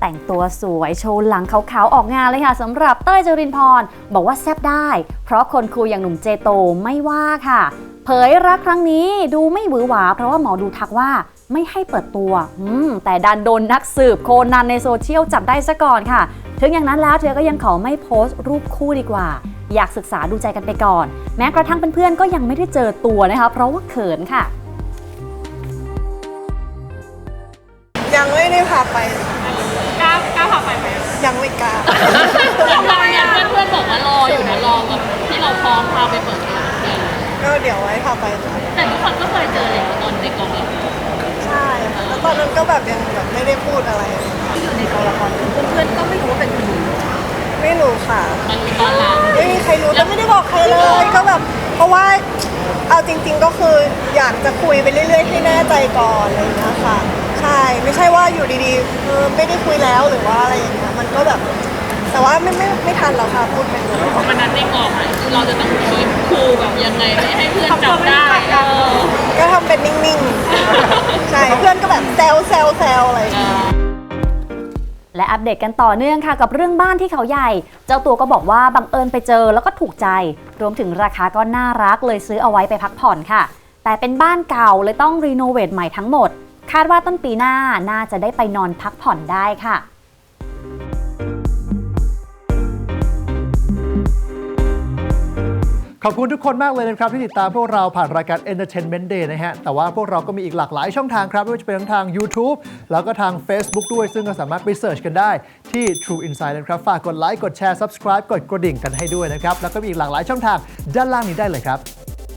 แต่งตัวสวยโชว์หลังขาวๆออกงานเลยค่ะสำหรับเต้ยจรินพรบอกว่าแซ่บได้เพราะคนคุยอย่างหนุ่มเจโตไม่ว่าค่ะเผยรักครั้งนี้ดูไม่หวือหวาเพราะว่าหมอดูทักว่าไม่ให้เปิดตัวแต่ดันโดนนักสืบโคนันในโซเชียลจับได้ซะก่อนค่ะถึงอย่างนั้นแล้วเธอก็ยังขอไม่โพสต์รูปคู่ดีกว่าอยากศึกษาดูใจกันไปก่อนแม้กระทั่งเพื่อนๆก็ยังไม่ได้เจอตัวนะคะเพราะว่าเขินค่ะยังไม่ได้พาไปกล้าพาไปไหมยังไม่กล้าทำไมอ่ะเพื่อนบอกว่ารออยู่นะรอแบบที่เราพร้อมพาไปเปิดตัวก็เดี๋ยวไว้พาไปค่ะแต่ทุกคนก็เคยเจอเลยตอนในกองละครใช่ค่ะแล้วตอนนั้นก็แบบยังแบบไม่ได้พูดอะไรในกองละครเพื่อนๆก็ไม่รู้ว่าเป็นคุณไม่รู้ค่ะมันมีตอนหลังไม่มีใครรู้แล้วไม่ได้บอกใครเลยก็แบบเพราะว่าเอาจริงๆก็คืออยากจะคุยไปเรื่อยๆให้แน่ใจก่อนอะไรอย่างเงี้ยค่ะใช่ไม่ใช่ว่าอยู่ดีๆไม่ได้คุยแล้วหรือว่าอะไรอย่างเงี้ยมันก็แบบแต่ว่าไม่ทันแล้วค่ะพูดไปหมดวันนั้นในกองอ่ะคือเราจะต้องคีบคูลแบบยังไงไม่ให้เพื่อนจับได้ก็ทำเป็นนิ่งๆใช่เพื่อนก็แบบแซวอะไรอย่างเงี้ยและอัปเดตกันต่อเนื่องค่ะกับเรื่องบ้านที่เขาใหญ่เจ้าตัวก็บอกว่าบังเอิญไปเจอแล้วก็ถูกใจรวมถึงราคาก็น่ารักเลยซื้อเอาไว้ไปพักผ่อนค่ะแต่เป็นบ้านเก่าเลยต้องรีโนเวทใหม่ทั้งหมดคาดว่าต้นปีหน้าน่าจะได้ไปนอนพักผ่อนได้ค่ะขอบคุณทุกคนมากเลยนะครับที่ติดตามพวกเราผ่านรายการ Entertainment Day นะฮะแต่ว่าพวกเราก็มีอีกหลากหลายช่องทางครับไม่ว่าจะเป็นทั้งทาง YouTube แล้วก็ทาง Facebook ด้วยซึ่งก็สามารถไปเสิร์ชกันได้ที่ True Insight นะครับฝากกดไลค์กดแชร์ Subscribe กดกระดิ่งกันให้ด้วยนะครับแล้วก็มีอีกหลากหลายช่องทางด้านล่างนี้ได้เลยครับ